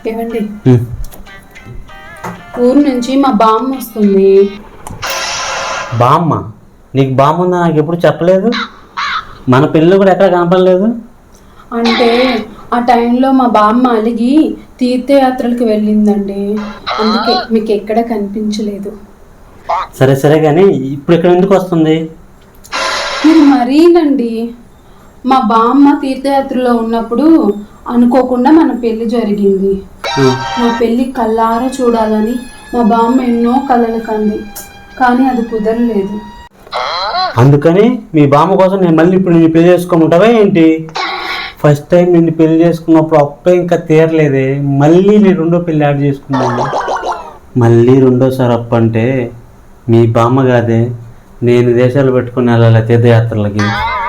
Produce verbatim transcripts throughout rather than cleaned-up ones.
ఏమండి, ఊరు నుంచి మా బామ్మ వస్తుంది. బామ్మ? నీకు బామ్మ ఉందా? నాకు ఎప్పుడు చెప్పలేదు. మన పెళ్ళి కూడా ఎక్కడ కనపడలేదు. అంటే ఆ టైంలో మా బామ్మ అలిగి తీర్థయాత్రలకు వెళ్ళిందండి, అందుకే మీకు ఎక్కడ కనిపించలేదు. సరే సరే కానీ ఇప్పుడు ఇక్కడ ఎందుకు వస్తుంది? మీరు మరీనండి, మా బామ్మ తీర్థయాత్రలో ఉన్నప్పుడు అనుకోకుండా మన పెళ్లి జరిగింది. మా పెళ్లి కళ్ళారా చూడాలని మా బామ్మ ఎన్నో కలలు కంది, కానీ అది కుదరలేదు. అందుకని మీ బామ్మ కోసం నేను మళ్ళీ ఇప్పుడు నిన్ను పెళ్లి చేసుకోమంటావా ఏంటి? ఫస్ట్ టైం నిన్ను పెళ్లి చేసుకున్నప్పుడు అప్ప ఇంకా తీరలేదే, మళ్ళీ నేను రెండో పెళ్లి యాడ్ చేసుకున్నాను. మళ్ళీ రెండోసారి అప్పు అంటే మీ బామ్మ కాదే, నేను దేశాలు పెట్టుకుని వెళ్ళాలి తీర్థయాత్రలకి.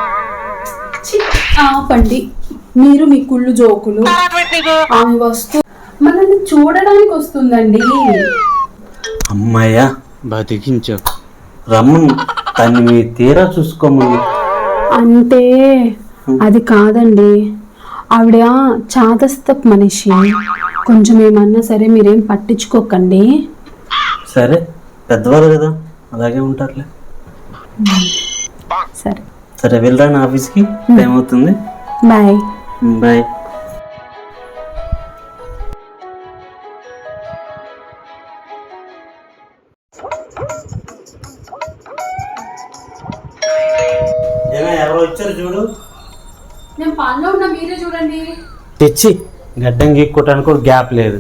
ఆపండి, మీరు మీ కుళ్ళు జోకులు. ఆమె వస్తూ మనల్ని చూడడానికి వస్తుందండి. అమ్మాయ్యా బతికించావు, రమ్మను, తను మీ తీరా చూసుకోమని. అంటే అది కాదండి, ఆవిడ చాదస్తపు మనిషి, కొంచెం ఏమన్నా సరే మీరేం పట్టించుకోకండి. సరే, పెద్దవాళ్ళు కదా, అలాగే ఉంటారులే. సరే సరే వెళ్ళరా నా ఆఫీస్కి, టైం అవుతుంది. Bye bye. ఎవరో వచ్చారు చూడు. నేను పనిలో ఉన్నా, మీరే చూడండి. తెచ్చి గడ్డం గీక్కోటానికి కూడా గ్యాప్ లేదు.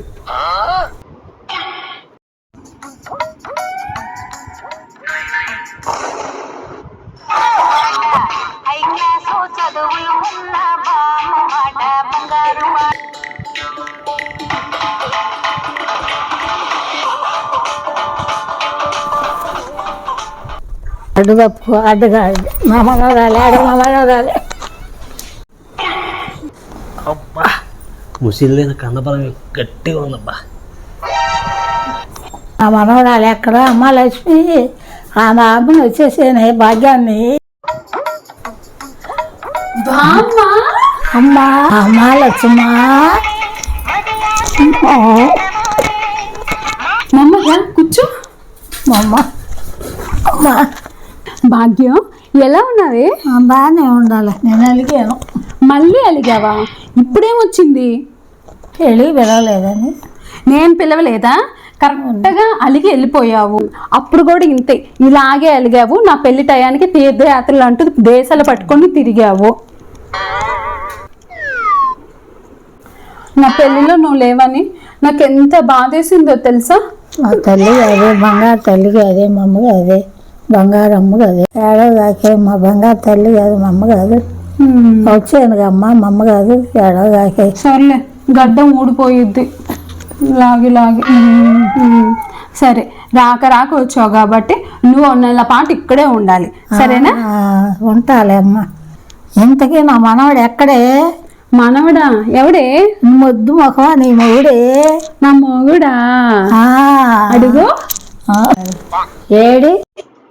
అడ్డు తప్పు అడ్డుగా మా మనవరాలి అడు మా మనవరాలి. అబ్బా ముసిలిన కన్నబలం గట్టిగా ఉందబ్బా. మా మనవరాలు ఎక్కడ? అమ్మ లక్ష్మి, ఆ మా అమ్మని వచ్చేసాను భాగ్యాన్ని. అమ్మా అమ్మ లక్ష్మా, కూర్చో. అమ్మ అమ్మా భాగ్యం, ఎలా ఉన్నావే? బాగానే ఉండాలి. నేను అలిగాను. మళ్ళీ అలిగావా? ఇప్పుడేమొచ్చింది? పెళ్ళి పిలవలేదని. నేను పిలవలేదా? కరెక్ట్గా అలిగి వెళ్ళిపోయావు. అప్పుడు కూడా ఇంతే, ఇలాగే అలిగావు. నా పెళ్లి టయానికి తీర్థయాత్రలు అంటూ దేశాలు పట్టుకొని తిరిగావు. నా పెళ్లిలో నువ్వు లేవని నాకు ఎంత బాధేసిందో తెలుసా? మా తల్లి అదే, బంగారు తల్లి అదే, మా అమ్మ అదే, బంగారు అమ్మ అదే. ఏడో దాకే మా బంగారు తల్లి కాదు, మా అమ్మ కాదు. వచ్చాను అమ్మ, మా అమ్మ కాదు. ఏడో దాకే సర్లే, గడ్డం ఊడిపోయిద్ది లాగి లాగి. సరే, రాక రాక వచ్చావు కాబట్టి నువ్వు నెల పాటు ఇక్కడే ఉండాలి, సరేనా? ఉంటాలే అమ్మ. ఇంతకీ నా మనవడు ఎక్కడే? మనవడా? ఎవడే? మొద్దు మొఖమా నీ మొగుడే. నా మొగుడా? అడుగు. ఏడి?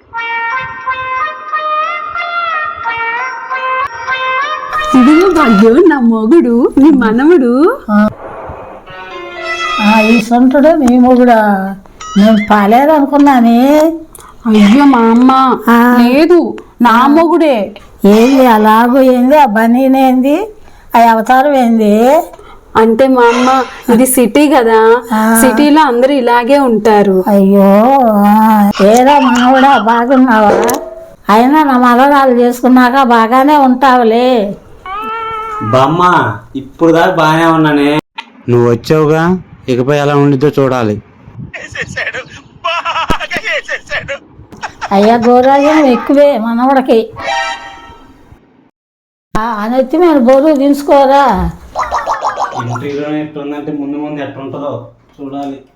ఇదిగో భాగ్యం, నా మొగుడు, నీ మనవడు. ఈ సొంటుడు నీ మొగుడా? నేను పాలేదు అనుకున్నానే. అయ్యో మా అమ్మ, లేదు, నా మొగుడే. ఏంది అలాగూ? ఏంది ఆ బనీనేంది? ఆ అవతారం ఏంది? అంటే మా అమ్మ, ఇది సిటీ కదా, సిటీలో అందరూ ఇలాగే ఉంటారు. అయ్యో ఏదో మనవడా, బాగున్నావా? అయినా నా మనవరాలు చేసుకున్నాక బాగానే ఉంటావులే. బామ్మ, ఇప్పుడు దాకా బాగానే ఉన్నానే, నువ్వు వచ్చావుగా, ఇకపై ఎలా ఉండిద్దో చూడాలి. అయ్యా గోరాజం ఎక్కువే మనవడికి. అనెత్తి మేము బరువు దించుకోరా. ఇంటిలోనే ఎట్లుందంటే ముందు ముందు ఎట్లుంటుందో చూడాలి.